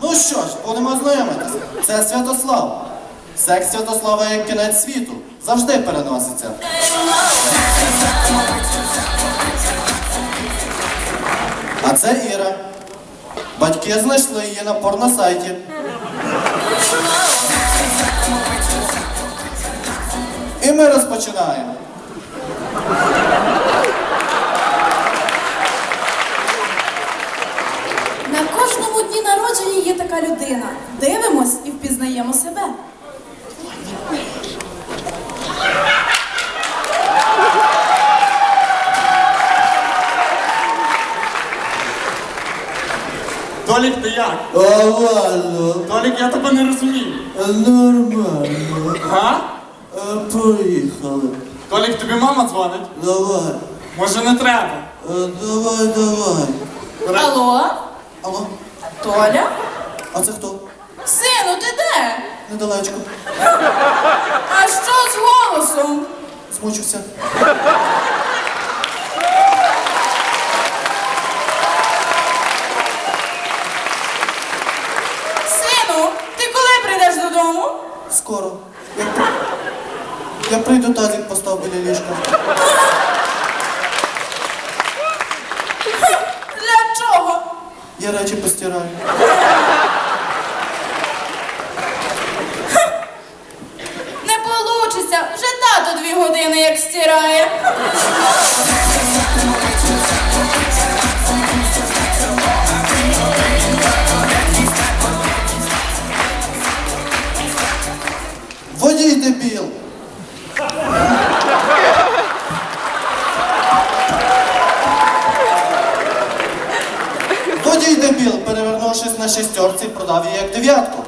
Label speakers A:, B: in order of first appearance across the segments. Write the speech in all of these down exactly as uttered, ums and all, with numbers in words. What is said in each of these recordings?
A: Ну що ж, будемо знайомитися. Це Святослав. Секс Святослава як кінець світу. Завжди переноситься. А це Іра. Батьки знайшли її на порносайті. І ми розпочинаємо.
B: На кожному дні народження є така людина. Дивимось і впізнаємо себе.
C: Толік, ти як?
A: Алло,
C: Толік, я тебе не розумію.
A: нормально.
C: Га?
A: Поїхали.
C: Толік, тобі мама дзвонить?
A: Давай.
C: Може не треба?
A: Давай, давай.
B: Алло?
A: Алло,
B: Толя?
A: а це хто?
B: Сину, ти де?
A: Недалечко.
B: А що з голосом?
A: Змучився.
B: Сину, ти коли прийдеш додому?
A: Скоро. Я, я прийду, тазик постав біля ліжка.
B: Для чого?
A: Я речі постираю.
B: Не получиться. Вже тато дві години як стирає.
A: Водій дебіл. Водій дебіл, перевернувшись на шістерці, продав її як дев'ятку.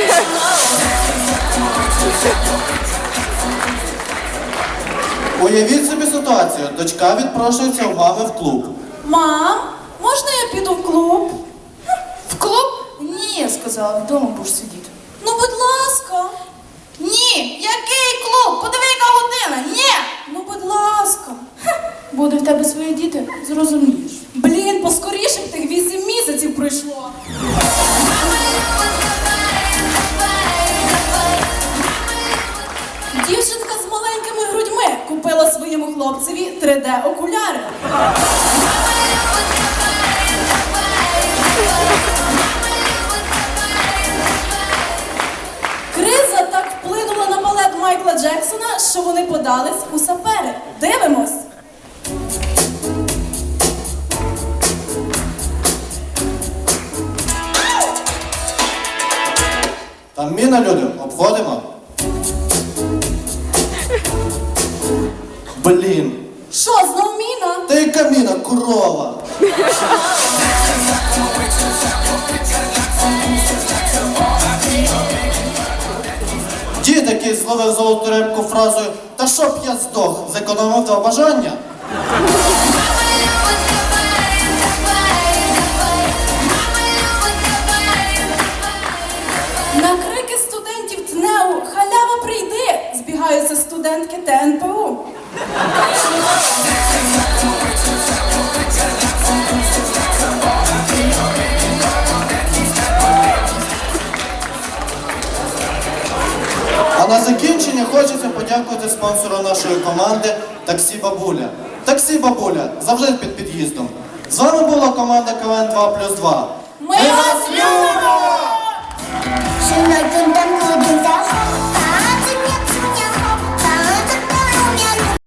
A: Уявіть собі ситуацію. Дочка відпрошується у мами в клуб.
B: Мам, можна я піду в клуб? В клуб? Ні, я сказала, вдома будеш сидіти. Ну, будь ласка. Ні, який клуб? Подиви, яка година. Ні. Ну, будь ласка. Буде в тебе свої діти, зрозумієш. Блін, поскоріше б тих вісім місяців пройшло. Дівчинка з маленькими грудьми купила своєму хлопцеві три де окуляри. Криза так вплинула на балет Майкла Джексона, що вони подались у сапери. Дивимось.
A: Там міна, люди, обходимо. Блін.
B: Що, знов міна?
A: Та яка міна, корова. Дід, який зловив золоту рибку фразою «Та щоб я здох, зекономив два бажання».
B: На крики студентів ТНЕУ «Халява, прийди!» збігаються студентки Те Ен Пе У.
A: А на закінчення хочеться подякувати спонсору нашої команди «Таксі Бабуля». «Таксі Бабуля» завжди під під'їздом. З вами була команда КВН два плюс два.
B: Ми вас любимо!